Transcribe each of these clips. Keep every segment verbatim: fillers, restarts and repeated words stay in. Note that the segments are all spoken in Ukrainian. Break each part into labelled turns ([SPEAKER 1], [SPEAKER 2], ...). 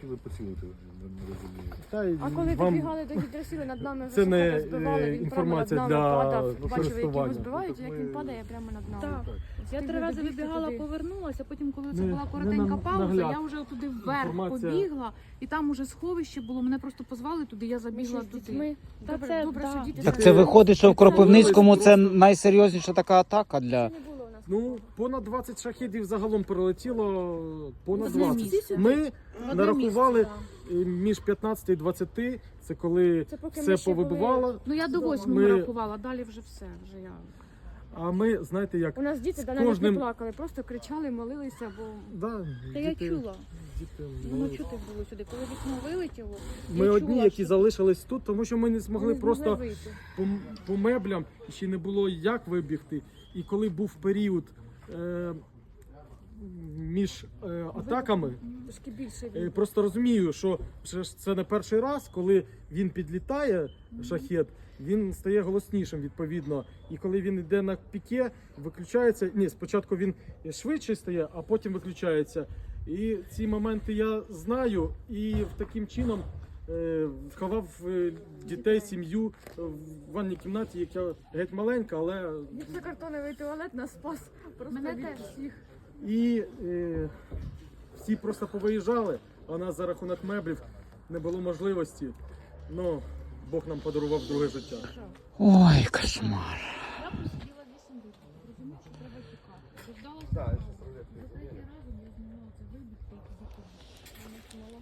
[SPEAKER 1] хотіли поцілити, не, не розумію.
[SPEAKER 2] Та й
[SPEAKER 3] А коли
[SPEAKER 2] вам
[SPEAKER 3] добігали до гідросіли, над нами
[SPEAKER 2] це не,
[SPEAKER 3] високо збивали,
[SPEAKER 2] е,
[SPEAKER 3] він прямо над
[SPEAKER 2] інформація
[SPEAKER 3] нами
[SPEAKER 2] для
[SPEAKER 3] падав. Бачили, як
[SPEAKER 2] користування.
[SPEAKER 3] його збивають,
[SPEAKER 1] Ну,
[SPEAKER 3] як
[SPEAKER 1] так
[SPEAKER 3] він
[SPEAKER 1] ми-
[SPEAKER 3] падає прямо над нами.
[SPEAKER 4] Так.
[SPEAKER 1] Так.
[SPEAKER 4] Я
[SPEAKER 3] Ти
[SPEAKER 4] три рази
[SPEAKER 3] добігти
[SPEAKER 4] вибігала,
[SPEAKER 3] туди.
[SPEAKER 4] повернулася, потім, коли це
[SPEAKER 2] Не-
[SPEAKER 4] була
[SPEAKER 2] не
[SPEAKER 4] коротенька
[SPEAKER 2] нам-
[SPEAKER 4] пауза,
[SPEAKER 2] нагляд.
[SPEAKER 4] я вже туди вверх
[SPEAKER 2] Інформація.
[SPEAKER 4] побігла, і там уже сховище було, мене просто позвали туди, я
[SPEAKER 3] Ми
[SPEAKER 4] забігла
[SPEAKER 3] ще з
[SPEAKER 4] туди.
[SPEAKER 3] дітьми.
[SPEAKER 4] Та
[SPEAKER 3] Добре,
[SPEAKER 4] це,
[SPEAKER 3] добре,
[SPEAKER 4] да.
[SPEAKER 3] що діти
[SPEAKER 5] Так
[SPEAKER 3] з
[SPEAKER 5] це
[SPEAKER 3] нами.
[SPEAKER 5] виходить, що в Кропивницькому це найсерйозніша така атака для...
[SPEAKER 3] Це не було у нас
[SPEAKER 2] Ну,
[SPEAKER 3] такого.
[SPEAKER 2] понад двадцять шахедів загалом прилетіло, понад
[SPEAKER 4] Одне
[SPEAKER 2] двадцять.
[SPEAKER 4] місце.
[SPEAKER 2] Ми
[SPEAKER 4] Одне
[SPEAKER 2] нарахували
[SPEAKER 4] місце, да.
[SPEAKER 2] е, між п'ятнадцяти і двадцяти, це коли
[SPEAKER 3] Це поки ми
[SPEAKER 2] все
[SPEAKER 3] ще були-
[SPEAKER 2] повибивало.
[SPEAKER 4] Ну я до
[SPEAKER 3] Вдома.
[SPEAKER 4] восьмого
[SPEAKER 2] Ми-
[SPEAKER 4] рахувала, далі вже все. Вже я.
[SPEAKER 2] А ми, знаєте, як...
[SPEAKER 3] У нас діти
[SPEAKER 2] з
[SPEAKER 3] да, навіть
[SPEAKER 2] кожним-
[SPEAKER 3] не плакали, просто кричали, молилися, бо
[SPEAKER 2] Да,
[SPEAKER 4] Та я
[SPEAKER 2] діти-
[SPEAKER 4] чула.
[SPEAKER 2] діти
[SPEAKER 4] Воно
[SPEAKER 2] молились.
[SPEAKER 4] чути було сюди. Коли вікно вилетіло,
[SPEAKER 2] Ми
[SPEAKER 4] я
[SPEAKER 2] одні,
[SPEAKER 4] чула,
[SPEAKER 2] які
[SPEAKER 4] що-
[SPEAKER 2] залишились тут, тому що ми не змогли
[SPEAKER 3] не
[SPEAKER 2] просто
[SPEAKER 3] змогли вийти.
[SPEAKER 2] по, по меблям, і ще не було як вибігти. І коли був період е, між е, атаками,
[SPEAKER 3] Трошки більше
[SPEAKER 2] е,
[SPEAKER 3] від-
[SPEAKER 2] просто розумію, що вже ж це не перший раз, коли він підлітає, шахет, він стає голоснішим відповідно. І коли він йде на піке, виключається. Ні, спочатку він швидше стає, а потім виключається. І ці моменти я знаю, і в таким чином е, сховав е, дітей, сім'ю в ванній кімнаті, яка геть маленька, але
[SPEAKER 3] Гіпсокартоновий туалет нас спас просто
[SPEAKER 4] Мене
[SPEAKER 3] від
[SPEAKER 4] теж.
[SPEAKER 3] всіх.
[SPEAKER 2] і е, всі просто повиїжджали, а у нас за рахунок меблів не було можливості. Ну, Бог нам подарував друге життя.
[SPEAKER 5] Ой, кошмар.
[SPEAKER 4] Я просиділа вісім років. Розумію, що треба тікати. Дождалася.
[SPEAKER 1] Так,
[SPEAKER 4] паузи.
[SPEAKER 1] я щас роз'ясню.
[SPEAKER 4] За третій разом я змогла це вибігти і закидати.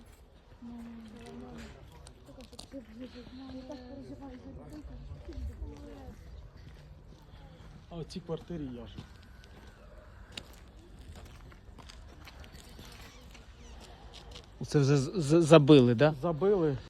[SPEAKER 2] А в цій квартирі я ж.
[SPEAKER 5] Це вже з- з- забили, да?
[SPEAKER 2] Забили.